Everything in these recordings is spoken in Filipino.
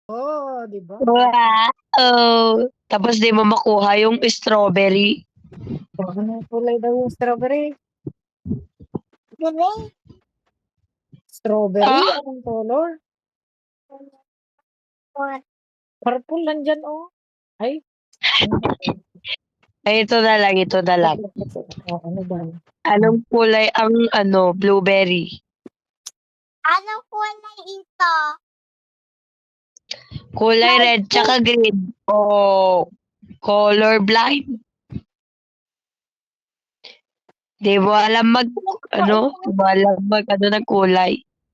Oh, 'di ba? Wow! Tapos di mo makuha yung strawberry. Oh, anong kulay daw yung strawberry? Green. Strawberry? Ah, Anong color? What? Purple nandyan, oh. Ay, ano ba? ay, ito na lang, ito na lang. Oh, ano ba? Anong kulay ang blueberry? Anong kulay ito? Kulay red tsaka green. Oh, color blind. Di mo alam ng kulay.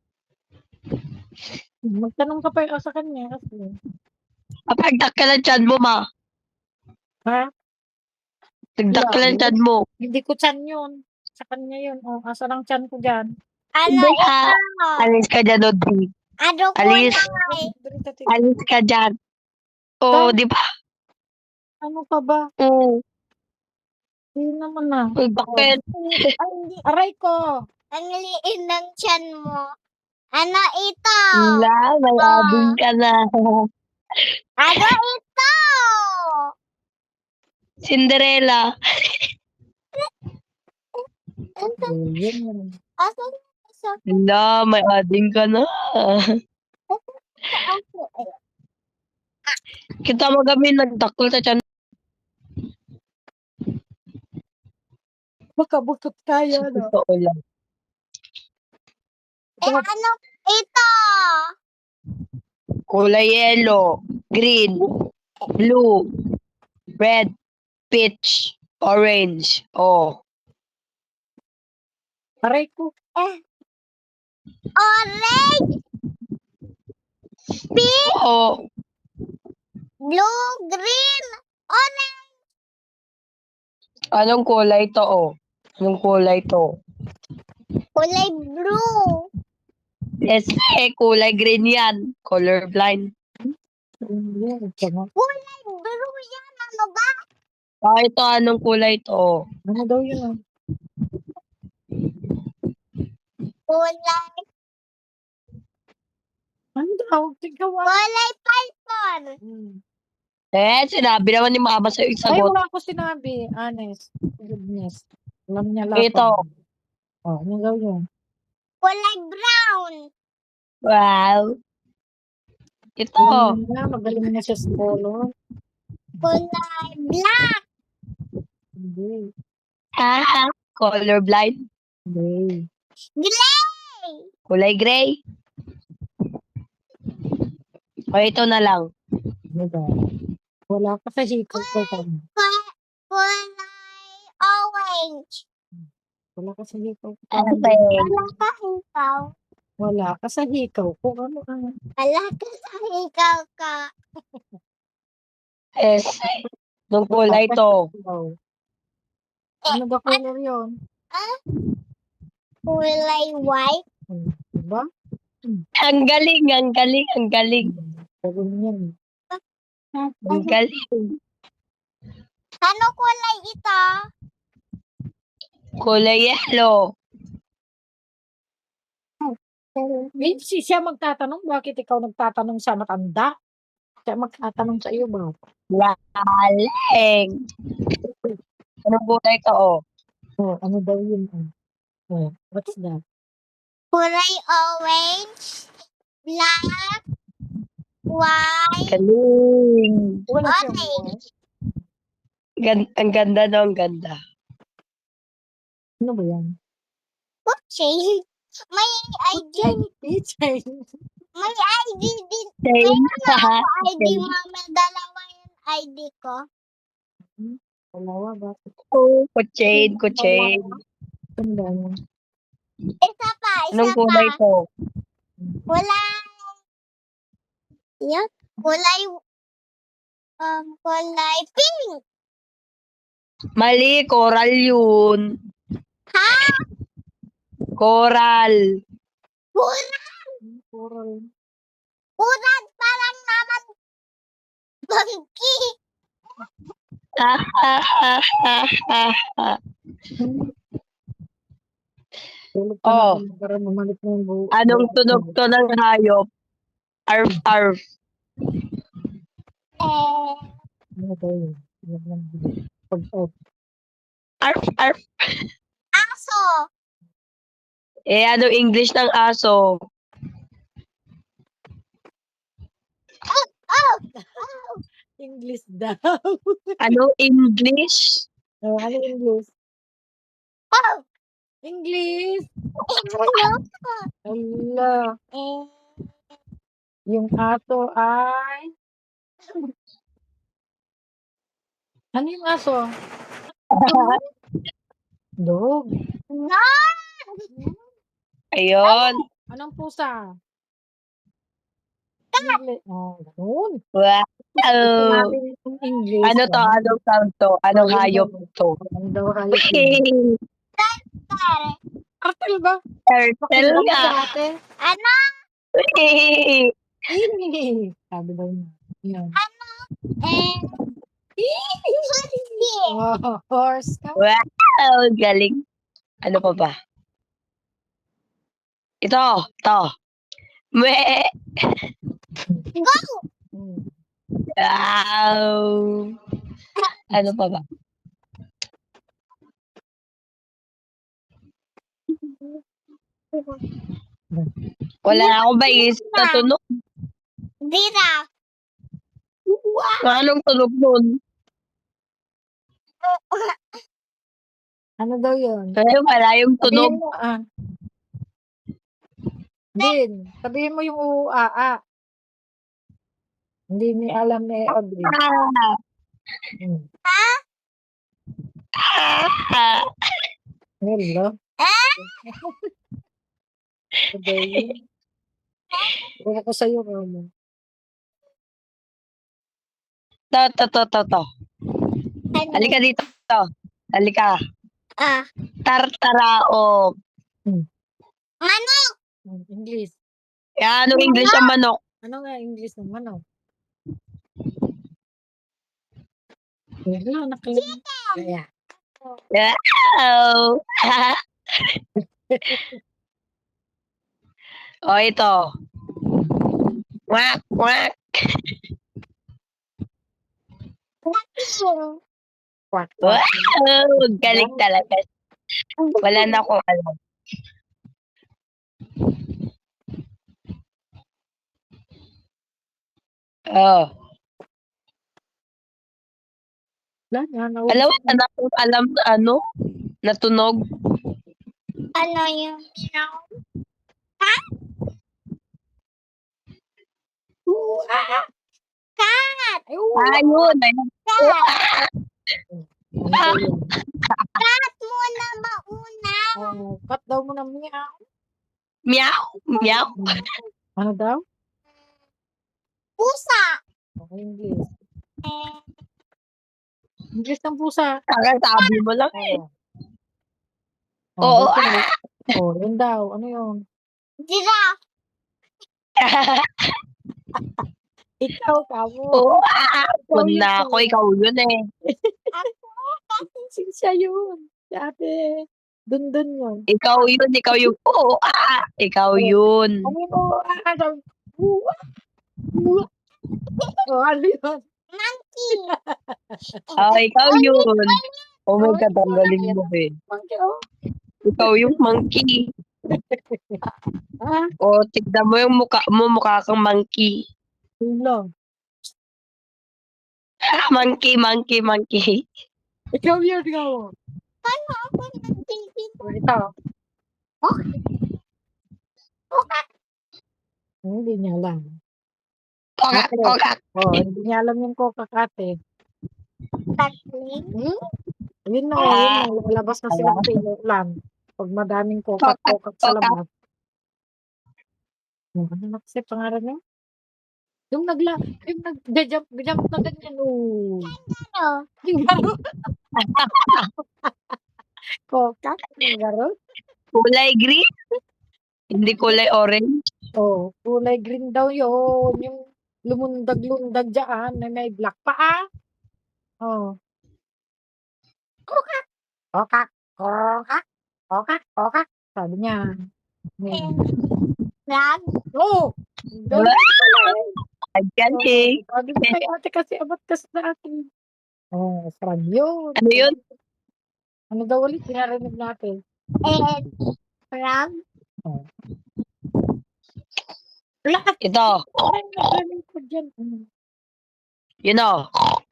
Magtanong ka pa sa kanya kasi. Kapag ka ng tiyan mo, ma. Ha? Nagdak ka ng tiyan mo. Hindi ko tiyan yun. Sa kanya yun. Oh, asa ng tiyan ko dyan? Ano Hindi ito? Alis ka dyan, Audrey. Ano Alis. kulay? Alis ka dyan. Oo, di ba? Ano pa ba? Oo. Hindi naman na. Bakit? Ay, hindi. Aray ko. Ang liit ng tiyan mo. Ano ito? Wala, may abing ka na. Ano ito? Cinderella. Yun. Asan isa? Wala, may ading ka na. Kita mo kami nagdakol sa tiyan. Baka butot tayo, no? Totoo lang. Ano ito? Kulay yellow, green, blue, red, peach, orange. Oh. Aray ko. Orange, pink, Oo. blue, green, orange. Anong kulay to, oh? Anong kulay to? Kulay blue. Yes, kulay green yan. Color blind. Kulay blue yan. Ano ba? Ito, anong kulay to? Ano daw yun? Kulay. Ano daw? Tingkawan. Kulay purple. Sinabi naman ni Mama sa'yo Ay, isagot. wala ko sinabi. Honest. Goodness. Alam niya lahat. Ito. Oh, ano daw yun? Kulay brown. Wow. Ito. Magaling na siya sa color. Kulay black. Hindi. Color blind. Hindi. Gray. Kulay gray. O, ito na lang. Ano daw? Wala ka sa hikaw ko. Kulay orange. Wala ka sa hikaw ko. Okay. Wala ka ikaw. Wala ka sa hikaw ko. Ano ka? Wala ka sa ikaw ka. Yes. Anong kulay to? Ano ba color yun? Kulay white. Diba? Ang galing, ang galing, ang galing. Galing yan. Ang galing. Ano kulay ito? Kulay yellow. Siya magtatanong, bakit ikaw nagtatanong sa matanda? Siya magtatanong sa iyo ba? Galing. Anong kulay to, oh? Oh, ano daw yun? Oh, what's that? Kulay orange, black, white, Galing. Wala siyang orange. Ang ganda, no? Ang ganda. Ano ba yan? Okay. May ID. May ID din. Same. Ako ID, mama. Dalawa yung ID ko. Dalawa ba? Oh, kuchain, kuchain. Isa pa, isa Anong pa. kulay to? Kulay. Yan. Kulay pink. Mali, coral yun. Ha? Coral. Coral. Uran parang naman bangki. Oh. Para mamalik na yung buo. Anong tunog to ng hayop? Arf, arf. Ano daw yun? Yan lang yun. Pag Arf, arf. Aso. Eh, ano English ng aso? Oh. English daw. Ano English? Oh, ano English? Oh. English! Ano? Hala. Yung aso ay... Ano yung aso? Dog. No. Ayun. Anong pusa? English. Oh, ganun. Wow. Gusto natin yung English. Ano to? Anong sound to? Anong Oh, yun hayop daw. to? Ano daw hayop yun? Turtle ba? Turtle Pakinggan mo nga. sa ate. Ano? Ini. Sabi daw niya. Yan. Hindi. Oh, horse ka. Wow, galing. Ano pa ba? Ito. Me. Go. Hmm. Wow. Ano pa ba? Wala na akong maisip na tunog. Giraffe. Anong tunog nun? Ano daw yun? Ay, wala yung tunog. Sabihin mo, Din, sabihin mo yung uaa. Hindi ni alam ni Audrey. Ah. Hmm. Ah. Hello? Ano daw yun? Wala ko sa'yo, Romo. To. Halika dito. Halika. Ah. Tartaraok. Manok. English. Yan, anong English ang manok? Ano nga English ng manok? Wala, Kaya. Wow. O, ito. Quack, quack. Quack, Wow, quack. galing talaga. Wala na akong alam. Oh. Wala na, Alam mo, wala akong alam na ano, na tunog. Ano yung meow? Cat. Ayun. Cat. Ah. Cat muna mauna. Oh, cut daw mo na meow. Meow. Meow. Ano daw? Pusa. Okay, English. English ng pusa. Kakasabi mo lang eh. Oh, Oo. oh, yun daw. Ano yun? Giraffe. Ikaw, kamo. Oo. Ikaw yun. Na ako, ikaw yun eh. Siya yun. Dati. Dun yun. Ikaw yun. Oo. Ikaw yun. Ano mo? Oh, ano yun? Monkey. Ikaw yun. Oh my God, ang galing mo eh. Monkey, oh. Ikaw yung monkey. Ah, O, tignan mo yung mukha mo, mukha kang monkey. yun lang. Monkey. Ikaw yun, ikaw. Paano ako nagtitip? Oh, ito. Hindi niya alam. Kokak. Oh, hindi niya alam yung kokakate. Tatling. Yun na. Lalabas na silang pilo lang. Pag madaming kokak sa labas. Ano na kasi pangalan niya? Yung nag-jump na ganyan. Oh. Ano? Yung garo. Kokak. Yung garo. Kulay green? Hindi kulay orange? Oh, kulay green daw yun. Yung lumundag-lundag dyan na may black pa Oh. Kokak. Sabi niya. Frog. Oh! Galing pala eh. Ang galing. Sabi ko kay ate kasi abot kasi na akin. Frog yun. Ano yun? Ano daw ulit? Pinarinig natin. And frog. Oh. Lahat. Ito. Parang nag-rinig ko dyan. You know.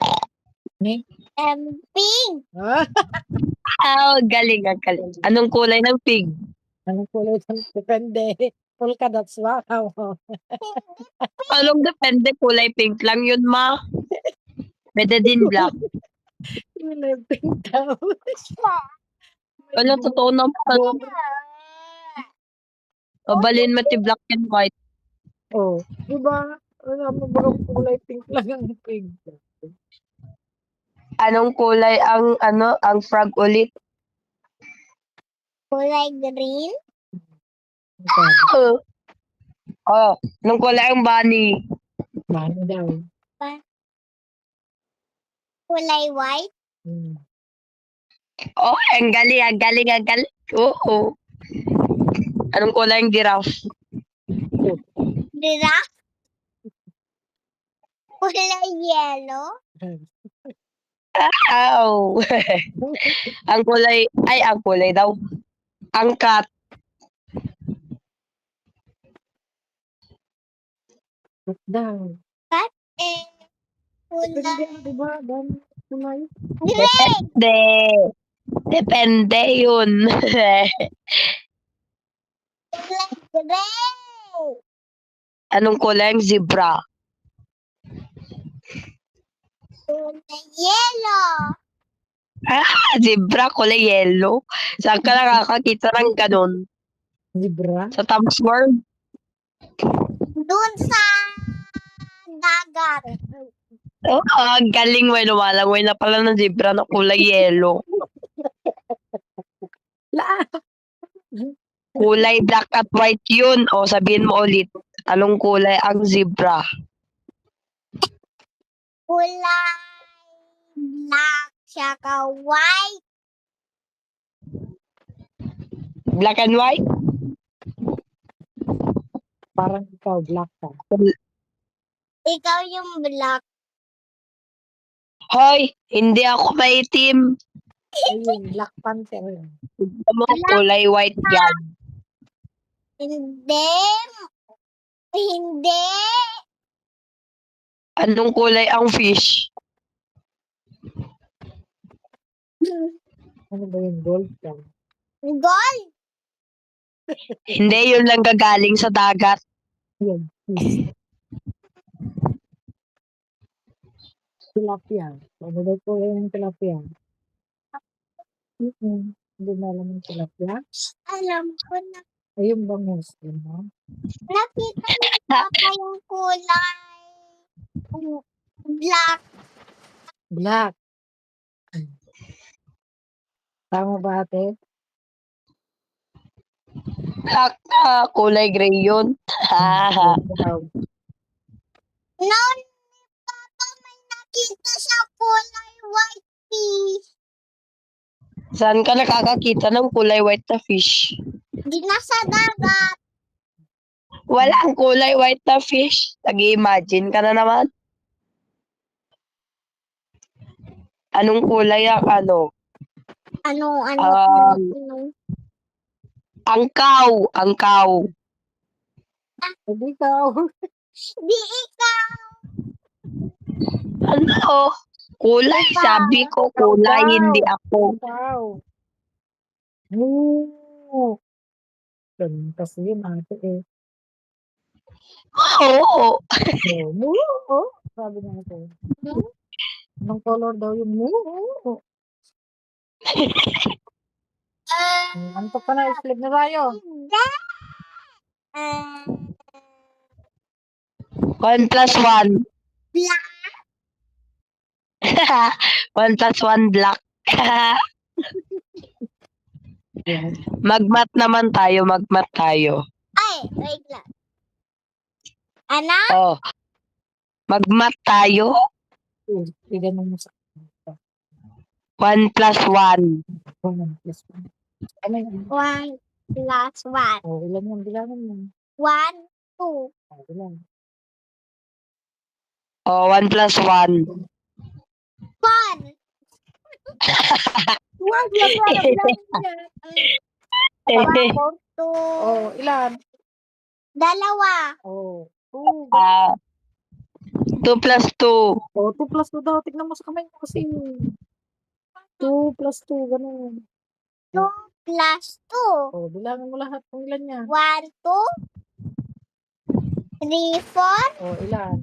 And pink. Galing, ang galing. Anong kulay ng pig? Anong kulay? Depende. Polka dots ba? Anong depende? Kulay pink lang yun, ma. Pwede din black. Kulay pink daw. Ano, totoo naman. Mabalin mo ti black and white. Oh, diba? Alam mo ba kulay pink lang ang pig? Anong kulay ang frog ulit? Kulay green. Anong kulay ang bunny? Mano daw. Kulay white. Ang galing, ang galing, ang galing. Oo. Anong kulay ang giraffe? Giraffe. Kulay yellow. ang kulay daw. Ang cat. Daw. And kulay Diba? Dami kulay. green. Depende yun. Kulay gray. Anong kulay ang zebra? Kulay yellow. Zebra, kulay yellow. Saan ka nakakakita ng ganun? Zebra? Sa Times Square? Doon sa dagat. Ang galing, may lumalangoy na pala ng zebra na kulay yellow. Kulay black at white yun. Sabihin mo ulit. Anong kulay ang zebra? Kulay black tsaka white. Black and white? Parang ikaw, black ka. Ikaw yung black. Hoy, hindi ako maitim. Ayun, Black Panther. Mo, kulay white yan. Hindi. Hindi. Anong kulay ang fish? Ano ba yung gold ka? Gold. Hindi, yun lang gagaling sa dagat. Yan, fish. Tilapia. Ano ba po yung tilapia? Hindi mo alam yung tilapia? Alam ko na. Ayun ba Muslim, no? Nakita ni Papa yung kulay black. Black. Tama ba ate? Black kulay gray yun. Noon ni Papa may nakita siya kulay white fish. Saan ka nakakakita ng kulay white na fish? Di nasa dagat. Walang kulay white na fish. Nag-imagine ka na naman. Anong kulay ang ano? Ano? Angkaw. Angkaw. Hindi ikaw. Di ikaw. Ano? Kulay. Ikaw. Sabi ko kulay, Ikaw. hindi ako. Ikaw. Moo. Ganun kasi yun ate eh. Oo. Moo. Sabi niya ate. Anong color daw yung moo? Antok ka na, sleep na tayo. Hindi. 1 plus 1. Black. 1 plus 1 black. Yan. Magmat naman tayo, magmat tayo. Ay, wait lang. Ano? Magmat tayo. Ganun mo sa 1 plus 1. 1 plus 1. Ano yun? 1 plus 1. Ilan yung bilangan mo? 1, 2. Ilan? Oh, 1 plus 1. 4. Wag na bilangin mo yan. Tapos, 2. oh, ilan? 2. Oh, 2. Ah, 2 plus 2. Oh, 2 plus 2 daw. Tignan mo sa kamay mo kasi. 2 plus 2, ganun. 2 plus 2. Oh, bilangin mo lahat kung ilan yan. 1, 2, 3, 4. Oh, ilan?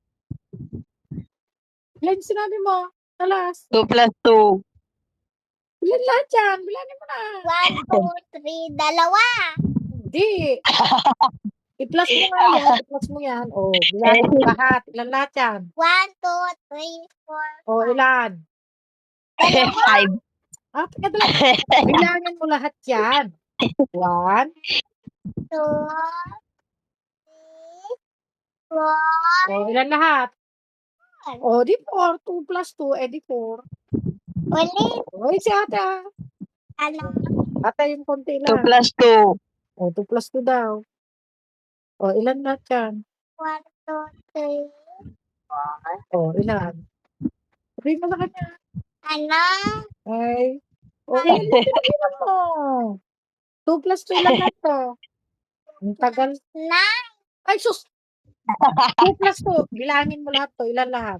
Ilan yung sinabi mo? Talas. 2 plus 2. Ilan lahat yan? Bilangin mo na. 1, 2, 3, 2. Hindi. I-plus mo nga yan. I-plus mo yan. Oh, bilangin mo lahat. Ilan lahat yan? 1, 2, 3, 4. Oh, ilan? 5. Ah, teka dala. Bilangin mo lahat yan. 1, 2, 3, 4. oh, ilan lahat? 4. Oh, di 4. 2 plus 2, eh di 4. Ulit. Oh, si ate ah. Ano? Ate yung konti 2 lang. plus 2. Oh, 2 plus 2 daw. Oh, ilan lahat yan? 1, 2, 3. Oh, ilan? Sabihin mo sa kanya. Ano? Ay. Oh, ilan lahat sinabihan mo? 2 plus 2, ilan lahat to? Ang tagal. 9. Ay, sus! 2 plus 2. Bilangin mo lahat to. Ilan lahat?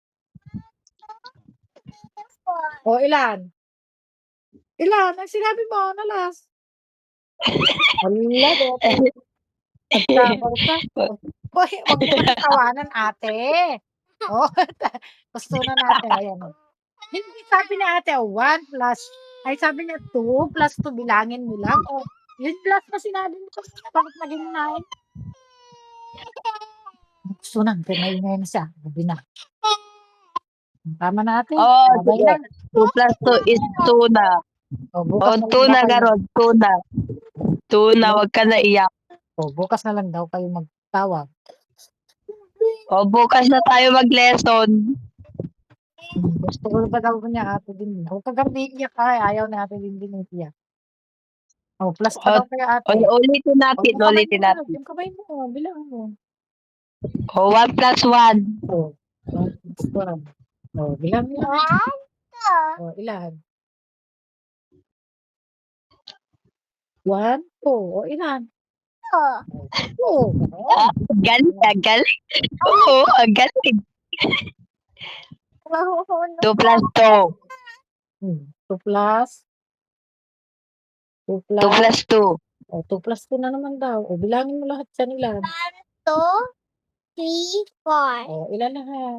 4. O, ilan? Ilan? Ang sinabi mo, nalas. Hala, dote. Nagkamar ka. Hoy, wag mo kami tawanan, ate. Oh, gusto na natin. Ayan. Hindi sabi ni ate, 1 plus. Ay, sabi niya, 2 plus 2. Bilangin mo lang. O, yun plus na sinabi mo. Bakit naging 9? Gusto na, pinay siya. Sabi na. Tama na ate. Oh, Sabay sige. na. 2 plus 2 is 2 na. O, Oh, bukas na 2 lang na daw kayo. garon. 2 na. 2 na. Huwag ka na iyak. O, bukas na lang daw kayo magtawag. Oh, bukas na tayo mag-lesson. Gusto ko ba daw niya ate din. Huwag ka gabi iiyak ay. Ayaw na ate din din iiyak. O, plus pa daw kayo ate. Ulitin O, natin. yung kamay Ulitin mo, natin. yung kamay mo, bilang mo. Oh, 1 plus 1. O, plus one. O, bilang mo. 1, 2. O, ilan? 1, 2. O, ilan? 2. Ah, galing. Ang galing. Oo, ang galing. 2 plus 2. 2 plus. 2 2 plus. plus 2. O, 2 plus 2 na naman daw. O, bilangin mo lahat yan ilan. 1, 2, 3, 4. O, ilan lahat?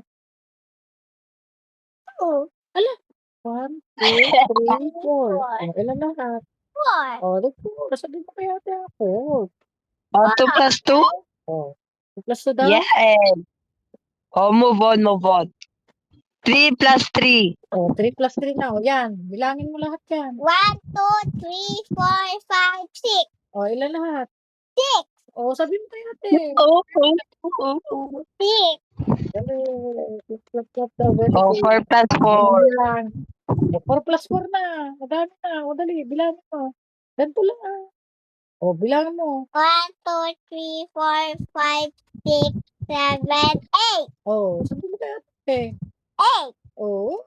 2, 1, 2, 3, 4. O, ilan lahat? 4. O, di 4. Sabi mo kaya ate ako. Oh, 2 plus 2? O, 2 plus 2 daw? Yes. Oh, move on, move on. 3 plus 3. O, 3 plus 3 na. O, yan. Bilangin mo lahat yan. 1, 2, 3, 4, 5, 6. O, ilan lahat? 6. O, sabi mo kaya ate. Oh, oh, oh. 6. Dali. Clap, clap daw. Very Oh, good. 4 plus 4. Yan. O, 4 plus 4 na. Madami na. O, dali. Bilangin mo. Ganito lang ah. O, bilangin mo. 1, 2, 3, 4, 5, 6, 7, 8. O, sabi mo kaya ate. 8. O.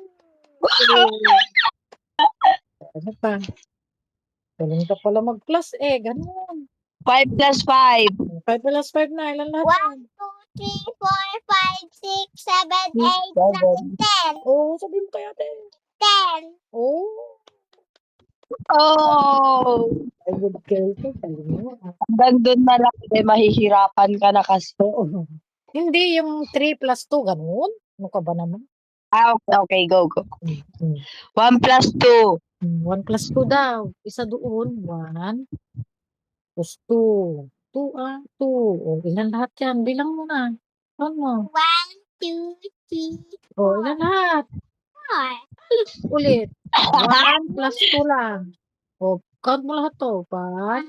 Ano pa? Galing ka pala mag-plus eh. Ganun. 5 plus 5. 5 plus 5 na. Ilan lahat 1, yan? 2, 3, 4, 5, 6, 7, 8, 9, 10. O, sabi mo kaya ate. 10. O. Oh! Ay, good girl ko. Galing mo. Hanggang doon na lang, mahihirapan ka na kasi. Oo. Hindi, yung 3 plus 2, ganun. Ano ka ba naman? Ah, okay, go, go. Mm. 1 plus 2. 1 plus 2 daw. Isa doon. 1 plus 2. 2 2. O, ilan lahat yan? Bilang mo na. Ano? 1, 2, 3, O, ilan lahat? 4. Ulit. 1 plus 2 lang. O, count mo lahat to. 1,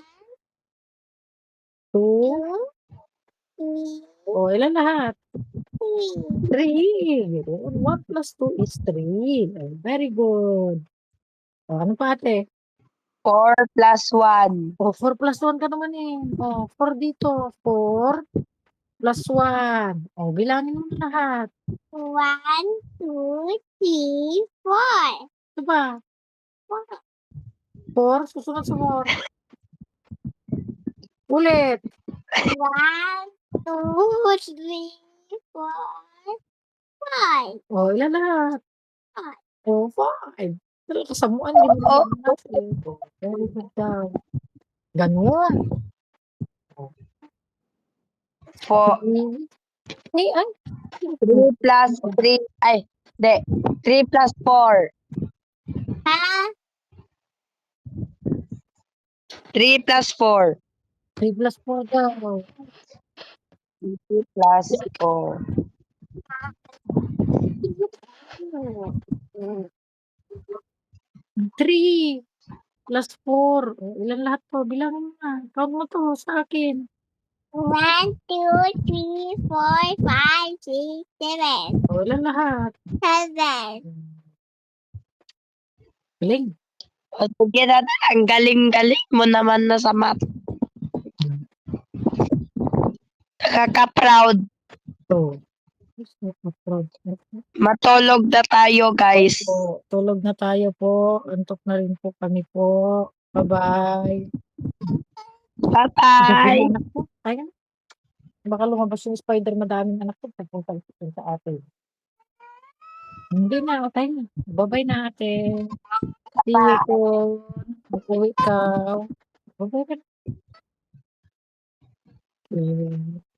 2. 2, 3, O, ilan lahat? 3. 3. 1 plus 2 is 3. Very good. O, ano pa ate? 4 plus 1. O, 4 plus 1 ka naman eh. O, 4 dito. 4 plus 1. O, bilangin mo na lahat. 1, 2, 3, 4. Ito ba? 4, susunod sa 4. Ulit. 1, 2, 3, 4, 5. O, ilan lahat? 5. O, 5. Pero kasamuan, hindi mo Oo. naman natin. O, very good daw. Ganun. 4. Ay, ay. 3 plus 3. Ay, hindi. 3 plus 4. Ha? 3 plus 4. 3 plus 4 daw. 3 plus 4. 3 plus 4. O, ilan lahat to? Bilangin mo na. Count mo to sa akin. 1, 2, 3, 4, 5, 6, 7. O, ilan lahat? 7. Galing. O, sige na, ang galing-galing mo naman na sa math. Nakaka-proud. So, Matulog na tayo, guys. po, tulog na tayo po. Antok na rin po kami po. Bye-bye. Sabi Bye-bye. ng anak ko, kaya na. Baka lumabas yung spider, madaming anak ko. Pagpunta sa atin. Hindi na, tayo na. Bye-bye na ate. See you soon. Mag-uwi ka. Bye-bye ka.